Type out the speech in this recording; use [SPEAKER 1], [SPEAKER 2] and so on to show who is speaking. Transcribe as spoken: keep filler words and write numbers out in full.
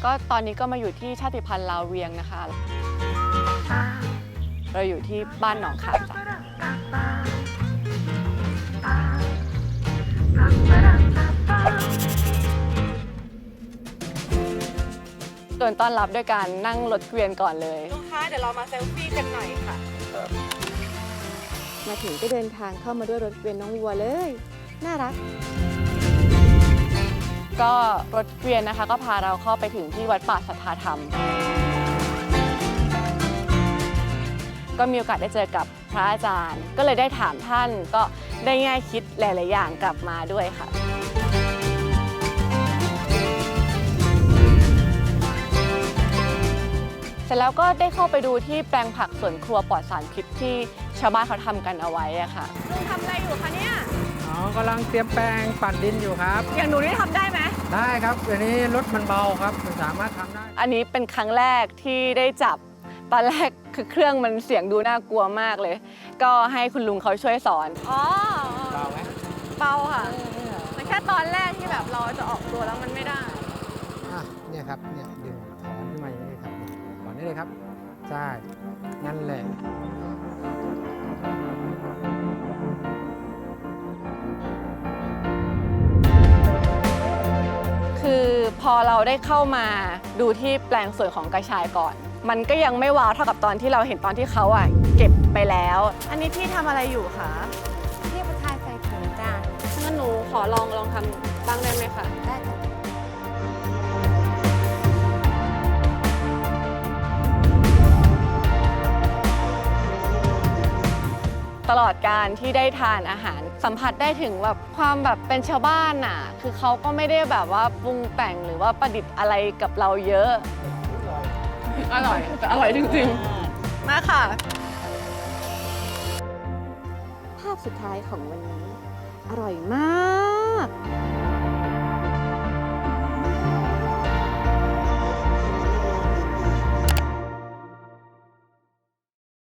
[SPEAKER 1] ก็ตอนนี้ก็มาอยู่ที่ชาติพันธุ์ลาวเวียงนะคะเราอยู่ที่บ้านหนองขามจ้ะโดนต้อนรับด้วยการนั่งรถเกวียนก่อนเลยลูกค้าเดี๋ยวเรามาเซลฟี่กันหน่อยค่ะมาถึงก็เดินทางเข้ามาด้วยรถเกวียนน้องวัวเลยน่ารักก็รถเกวียนนะคะก็พาเราเข้าไปถึงที่วัดป่าสัทธาธรรมก็มีโอกาสได้เจอกับพระอาจารย์ก็เลยได้ถามท่านก็ได้แง่คิดหลายๆอย่างกลับมาด้วยค่ะเสร็จแล้วก็ได้เข้าไปดูที่แปลงผักสวนครัวปลอดสารพิษที่ชาวบ้านเขาทำกันเอาไว้อะค่ะลุงทำอะไรอยู่คะเนี่ย
[SPEAKER 2] อ๋อกำลังเตรียมแปลงปั่นดินอยู่ครับ
[SPEAKER 1] อย่างหนูนี่ทำได้ไหม
[SPEAKER 2] ได้ครับเดี๋ยวนี้รถมันเบาครับมันสามารถทำได้
[SPEAKER 1] อันนี้เป็นครั้งแรกที่ได้จับตอนแรกคือเครื่องมันเสียงดูน่ากลัวมากเลยก็ให้คุณลุงเขาช่วยสอนอ๋อ
[SPEAKER 2] เบาไหม
[SPEAKER 1] เบาค่ะมันแค่ตอนแรกที่แบบเราจะออกตัวแล้วมันไม่ได้
[SPEAKER 2] อ่ะเนี่ยครับเนี่ยดึงถอนขึ้นมาอย่างนี้ครับถอนได้เลยครับใช่นั่นแหละ
[SPEAKER 1] คือพอเราได้เข้ามาดูที่แปลงสวนของกระชายก่อนมันก็ยังไม่ว้าวเท่ากับตอนที่เราเห็นตอนที่เขาอ่ะเก็บไปแล้วอันนี้พี่ทำอะไรอยู่คะ
[SPEAKER 3] พี่ประทายใส่ถุงจ้า
[SPEAKER 1] งั้นหนูขอลองลองทำบ้างได้ไหมคะ
[SPEAKER 3] ได้
[SPEAKER 1] ตลอดการที่ได้ทานอาหารสัมผัสได้ถึงแบบความแบบเป็นชาวบ้านน่ะคือเขาก็ไม่ได้แบบว่าปรุงแต่งหรือว่าประดิษฐ์อะไรกับเราเยอะอร่อยแต่อร่อยจริงๆมาค่ะภาพสุดท้ายของวันนี้อร่อยมาก